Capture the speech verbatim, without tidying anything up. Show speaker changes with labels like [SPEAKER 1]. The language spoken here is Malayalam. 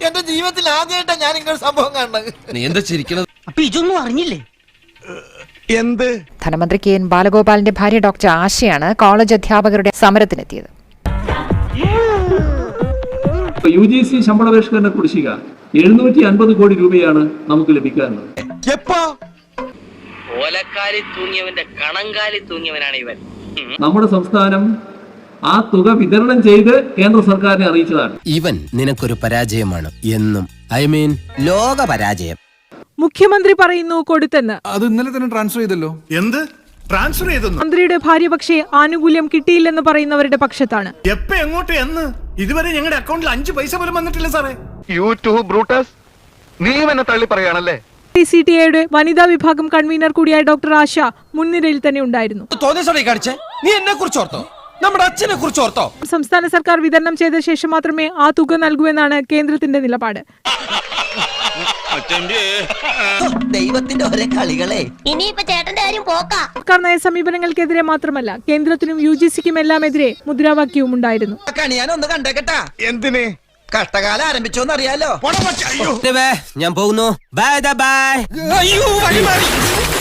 [SPEAKER 1] എന്റെ ജീവിതത്തിൽ ആദ്യമായിട്ടാണ് ഞാൻ ഇങ്ങനെ സംഭവം കണ്ടത്.
[SPEAKER 2] നീ എന്താ ചിരിക്കണത്?
[SPEAKER 3] അപ്പൊ ഇതൊന്നും അറിഞ്ഞില്ലേ?
[SPEAKER 4] എന്ത്?
[SPEAKER 5] ധനമന്ത്രി കെ എൻ ബാലഗോപാലിന്റെ ഭാര്യ ഡോക്ടർ ആശയാണ് കോളേജ് അധ്യാപകരുടെ സമരത്തിനെത്തിയത്.
[SPEAKER 6] യു ജി സി ശമ്പള പരിഷ്കരണ കുടിശ്ശിക എഴുന്നൂറ്റി അൻപത് കോടി രൂപയാണ് നമുക്ക് ലഭിക്കാറുള്ളത്.
[SPEAKER 3] ഓലക്കാലി തൂങ്ങിയവന്റെ കണങ്കാലി തൂങ്ങിയവനാണ് ഇവൻ.
[SPEAKER 6] നമ്മുടെ സംസ്ഥാനം ആ തുക വിതരണം ചെയ്ത് കേന്ദ്ര സർക്കാരിനെ അറിയിച്ചതാണ്.
[SPEAKER 2] ഇവൻ നിനക്കൊരു പരാജയമാണ് എന്നും, ഐ മീൻ ലോക പരാജയം.
[SPEAKER 7] മുഖ്യമന്ത്രി പറയുന്നു കൊടുത്തെന്ന്.
[SPEAKER 4] അത് ഇന്നലെ തന്നെ ട്രാൻസ്ഫർ ചെയ്തല്ലോ. എന്ത് ട്രാൻസ്ഫർ ചെയ്തെന്ന്?
[SPEAKER 7] മന്ത്രിയുടെ ഭാര്യ പക്ഷേ ആനുകൂല്യം കിട്ടിയില്ലെന്ന് പറയുന്നവരുടെ പക്ഷത്താണ്.
[SPEAKER 4] എപ്പ എങ്ങോട്ട് എന്ന്? ഇതുവരെ ഞങ്ങളുടെ അക്കൗണ്ടിൽ അഞ്ച് പൈസ പോലും വന്നിട്ടില്ല സാറേ.
[SPEAKER 8] യൂട്യൂബ് ബ്രൂട്ടസ്, നീ എന്നെ തള്ളി പറയാണല്ലേ?
[SPEAKER 7] സി ടി എയുടെ വനിതാ വിഭാഗം കൺവീനർ കൂടിയായ ഡോക്ടർ ആശ മുൻനിരയിൽ തന്നെ ഉണ്ടായിരുന്നു.
[SPEAKER 2] നീ എന്നെ കുറിച്ച് ഓർത്തോ? നമ്മുടെ അച്ഛനെ കുറിച്ച് ഓർത്തോ?
[SPEAKER 7] സംസ്ഥാന സർക്കാർ വിതരണം ചെയ്ത ശേഷം മാത്രമേ ആ തുക നൽകൂ എന്നാണ് കേന്ദ്രത്തിന്റെ നിലപാട്.
[SPEAKER 3] ദൈവത്തിന്റെ ഒരേ കളികളെ.
[SPEAKER 9] ഇനിയിപ്പോ ചേട്ടന്റെ കാര്യം പോക്കാ.
[SPEAKER 7] സർക്കാർ നയ സമീപനങ്ങൾക്കെതിരെ മാത്രമല്ല കേന്ദ്രത്തിനും യു ജി സിക്കും എല്ലാം എതിരെ മുദ്രാവാക്യവും ഉണ്ടായിരുന്നു.
[SPEAKER 3] ഞാനൊന്ന് കണ്ടേക്കട്ടാ.
[SPEAKER 4] എന്തിന്?
[SPEAKER 3] കഷ്ടകാലം ആരംഭിച്ചോന്നറിയാലോ?
[SPEAKER 2] ഞാൻ പോകുന്നു. Bye by.